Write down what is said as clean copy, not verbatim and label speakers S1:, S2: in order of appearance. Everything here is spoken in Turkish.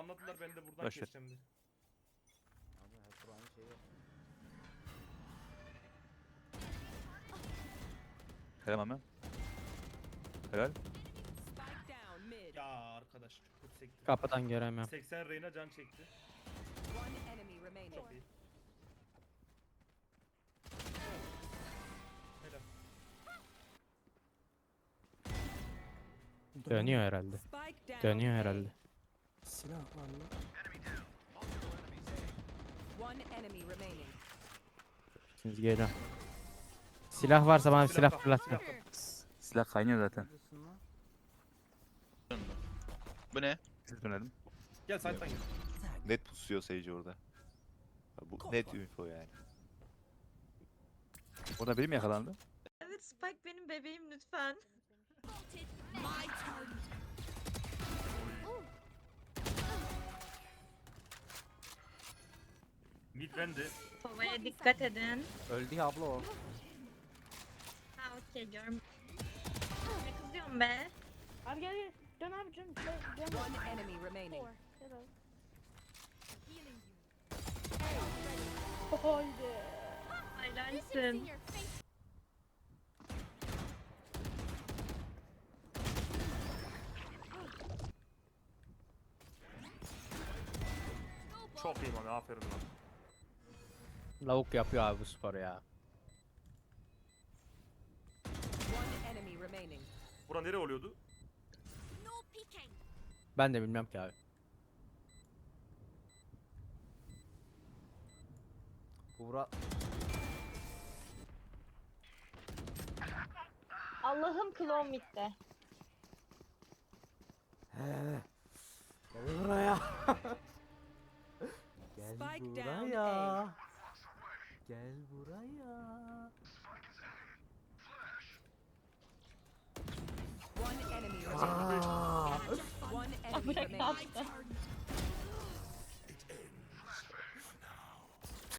S1: banladılar, ben de buradan
S2: Boş ver.
S1: keseceğim diye.
S3: Abi hep aynı şey yap.
S2: Helal Mami. Helal.
S4: Spike down mid.
S1: Ya arkadaş çok kötü sekti.
S5: Kapıdan göremiyorum.
S1: 80 Reyna can çekti.
S4: One enemy remaining.
S1: Çok iyi. Helal.
S5: Dönüyor herhalde.
S4: Spike down.
S5: Dönüyor
S4: A.
S5: herhalde.
S3: Silah var mı?
S4: One enemy remaining.
S5: Şimdi geliyorum. Silah varsa bana
S1: Silah
S5: silah
S1: kap,
S5: fırlat.
S1: silah kap.
S2: Silah kaynıyor zaten.
S3: Neredesin lan?
S6: Bu ne?
S2: Siz dönelim.
S1: Gel side'dan gel.
S7: Net pusuyor Sage orada. Ya bu net info yani.
S2: Orada biri mi yakalandı?
S8: Evet Spike benim bebeğim lütfen.
S1: Mid bende.
S8: Kovaya dikkat edin.
S3: Öldü ya abla o.
S8: Ha okey görüm. Ne kızıyorum be?
S9: Abi gel gel. Dön abi dön. Dön.
S4: One enemy remaining.
S9: Haydi.
S8: Helalsin.
S1: Çok iyi Mami, aferin lan.
S5: Lavuk yapıyor abi bu sporu ya.
S4: One enemy remaining.
S1: Bura nere oluyordu?
S5: Ben de bilmem ki abi.
S3: Buğra
S8: Allah'ım klon bitti.
S3: gel buraya. Gel
S4: Spike down
S3: buraya. Gel buraya.
S4: One enemy remaining. One enemy
S8: Bırak
S4: remaining.
S8: attı.